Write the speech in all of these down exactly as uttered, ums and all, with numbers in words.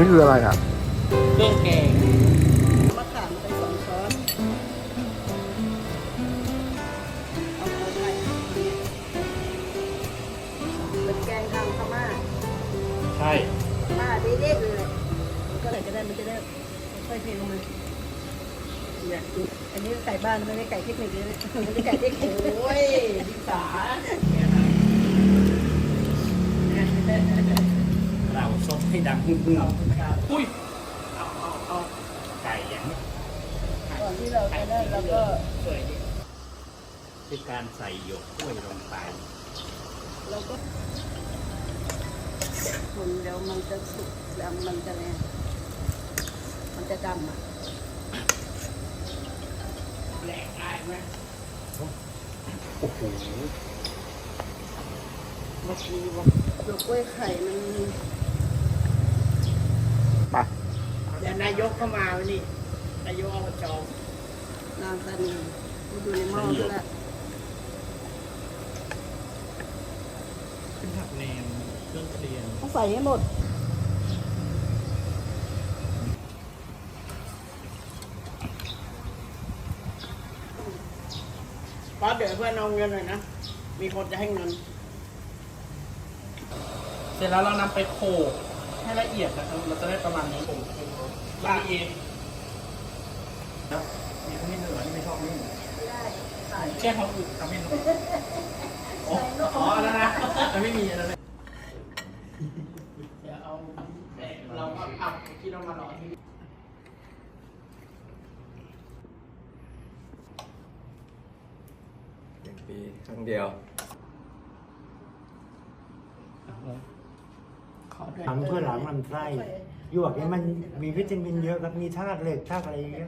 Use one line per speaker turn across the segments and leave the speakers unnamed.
นี้คืออะไรอ่ะ
เครื่องแกง
มะขามไปสองช้อนเอาเอาไปเป็นแกงทางพม่า
ใช่
พม่าเด็ดๆเลยแหละก็เลยจะได้มันจะได้ค่อยๆเทลงมาเนี่ยอันนี้ไก่บ้านไม่ได้ไก่เทคนิคเลยนะไม่ได้ไก่เทคนิค
โอ้ยพิสาเราซดให้ดังฮึ่มๆอุ้ยเอาเอาเอาไก่อย่างนี้
ก่อนที่เราจะได้เราก็
สวยดีคือการใส่หยวกกล้วยลงไป
เราก็คนเดี๋ยวมันจะสุกแล้วมันจะเนี่ยมันจะดำอ่ะ
แหลกได้ไหมโอ้โห
เมื่อกี้บอกหยวกกล้วยไข่มัน
ไป
เดี๋ยวนายกเข้ามาวันนี้นายกอบจ
นางตานีมาดูในหม้อด้วยละ
ขึ้นผักแนมเครื่องเคียง
ต้องใส่ให้หมดป้าเดี๋ยวเพื่อนเอาเงินหน่อยนะมีคนจะให้เงิน
เสร็จแล้วเรานำไปโขลกให้ละเอียดนะครับเราจะได้ประมาณนี้ผมละเอียดนะมีขมิ้นเหนือนี่ไม่ชอบนี่แค่เขาอึขมิ้นอ๋ออ๋อแล้วนะจะไม่มีอะไรเลยเดี๋ยวเอาแต่เราก็อับที่เรามาหล่อที่
หนึ่งปีครั้งเดียว
ทำเพื่อหลังลำไส้หยวกเนี่ยมันมีวิตามินเยอะครับมีธาตุเหล็กธาตุอะไรเยอะ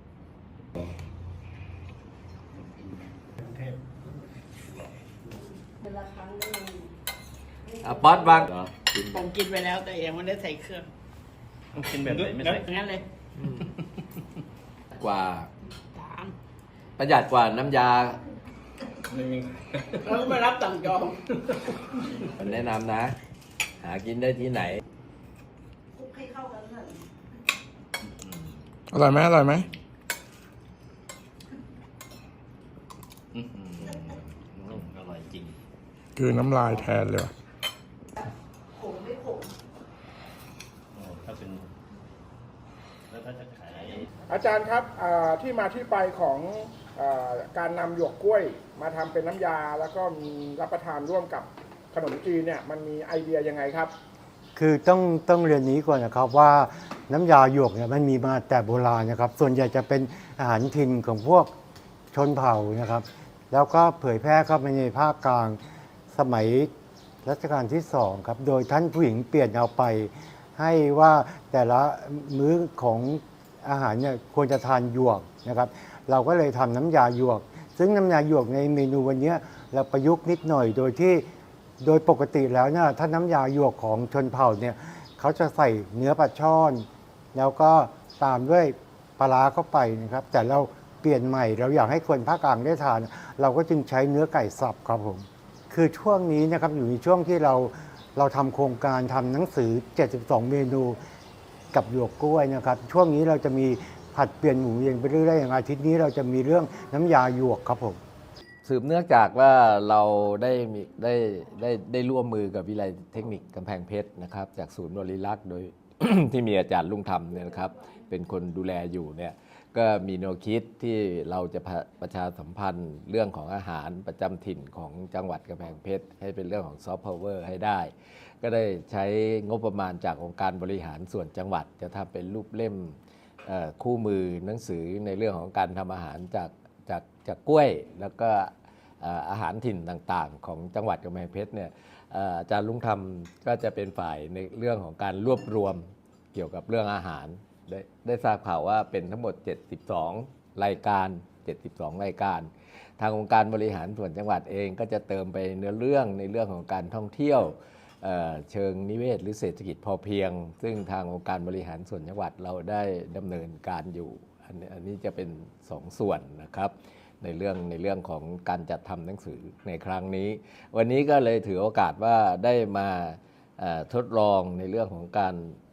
เวลาครั้งนึง
อ่ะป๊อตบ้างเหรอกิน
ผมกินไปแล้วแต่ยังไม่ได้ใส่เครื่องกินแบบไหนไม่ใส่งั้นเลย
กว่า
ถาม
ประหยัดกว่าน้ำยา
แล้วมารับสั่งจอง
แนะนำนะ หากินได้ที่ไหน
คลุกให้เข้ากันหน่อย
อร่อยไหมอร่อยไหม
อื้อหืออร่อยจริง
คือน้ำลายแทนเลยว่ะ
ขมไม่ขม
ถ้าเป็นแล้วถ้าจะขาย
อาจารย์ครับอ่าที่มาที่ไปของอาการนำหยวกกล้วยมาทำเป็นน้ำยาแล้วก็มีรับประทานร่วมกับขนมจีนเนี่ยมันมีไอเดียยังไงครับ
คือต้องต้องเรียนนี้ก่อนนะครับว่าน้ำยาหยวกเนี่ยมันมีมาแต่โบราณนะครับ ส่วนใหญ่จะเป็นอาหารถิ่นของพวกชนเผ่านะครับ แล้วก็เผยแพร่เข้าไปในภาคกลางสมัยรัชกาลที่สองครับโดยท่านผู้หญิงเปลี่ยนเอาไป ให้ว่าแต่ละมื้อของอาหารเนี่ยควรจะทานหยวกนะครับ เราก็เลยทำน้ำยาหยวก ซึ่งน้ำยาหยวกในเมนูวันนี้เราประยุกต์นิดหน่อยโดยที่โดยปกติแล้วเนี่ยถ้าน้ำยาหยวกของชนเผ่าเนี่ยเขาจะใส่เนื้อปลาช่อน แล้วก็ตามด้วยปลาร้าเข้าไปนะครับ แต่เราเปลี่ยนใหม่เราอยากให้คนภาคกลางได้ทาน เราก็จึงใช้เนื้อไก่สับครับผมคือช่วงนี้นะครับอยู่ในช่วงที่เราเราทำโครงการทำหนังสือเจ็ดสิบสองเมนูกับหยวกกล้วยนะครับช่วงนี้เราจะมีผัดเปลี่ยนหมุนเวียนไปเรื่อยๆอย่างอาทิตย์นี้เราจะมีเรื่องน้ำยาหยวกครับผม
สืบเนื่องจากว่าเราได้มีได้ได้ได้ร่วมมือกับวิทยาลัยเทคนิคกำแพงเพชรนะครับจากศูนย์บริรักษ์โดย ที่มีอาจารย์ลุงธรรมเนี่ยนะครับเป็นคนดูแลอยู่เนี่ยก็มีแนวคิดที่เราจะประชาสัมพันธ์เรื่องของอาหารประจำถิ่นของจังหวัดกำแพงเพชรให้เป็นเรื่องของซอฟต์พาวเวอร์ให้ได้ ก็ได้ใช้งบประมาณจากองค์การบริหารส่วนจังหวัดจะทำเป็นรูปเล่มคู่มือหนังสือในเรื่องของการทำอาหารจากจากจากกล้วยแล้วก็อาหารถิ่นต่างๆของจังหวัดกำแพงเพชรเนี่ยอาจารย์ลุงธรรมก็จะเป็นฝ่ายในเรื่องของการรวบรวมเกี่ยวกับเรื่องอาหารได้ได้ทราบข่าวว่าเป็นทั้งหมดเจ็ดสิบสองรายการเจ็ดสิบสองรายการทางองค์การบริหารส่วนจังหวัดเองก็จะเติมไปเนื้อเรื่องในเรื่องของการท่องเที่ยวเชิงนิเวศหรือเศรษฐกิจพอเพียงซึ่งทางองค์การบริหารส่วนจังหวัดเราได้ดำเนินการอยู่อันนี้อันนี้จะเป็นสองส่วนนะครับในเรื่องในเรื่องของการจัดทำหนังสือในครั้งนี้วันนี้ก็เลยถือโอกาสว่าได้มาทดลองในเรื่องของการ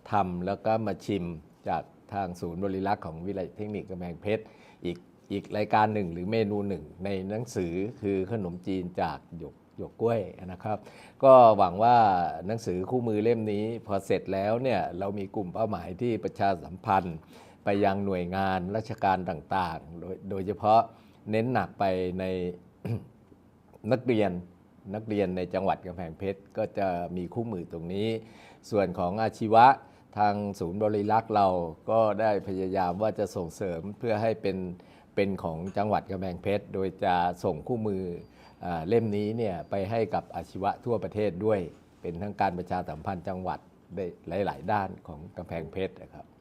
ทำแล้วก็มาชิมจากทางศูนย์บริรักษ์ของวิทยาลัยเทคนิคกำแพงเพชรอีกอีกรายการหนึ่งหรือเมนูหนึ่งในหนังสือคือขนมจีนจากหยกหยวกกล้วยนะครับ ก็หวังว่าหนังสือคู่มือเล่มนี้พอเสร็จแล้วเนี่ยเรามีกลุ่มเป้าหมายที่ประชาสัมพันธ์ไปยังหน่วยงานราชการต่างๆ โดยโดยเฉพาะเน้นหนักไปใน นักเรียนนักเรียนในจังหวัดกำแพงเพชรก็จะมีคู่มือตรงนี้ ส่วนของอาชีวะทางศูนย์บริรักษ์เราก็ได้พยายามว่าจะส่งเสริมเพื่อให้เป็นเป็นของจังหวัดกำแพงเพชรโดยจะส่งคู่มือเล่มนี้เนี่ยไปให้กับอาชีวะทั่วประเทศด้วยเป็นทั้งการประชาสัมพันธ์จังหวัดได้หลายๆด้านของกำแพงเพชรนะครับ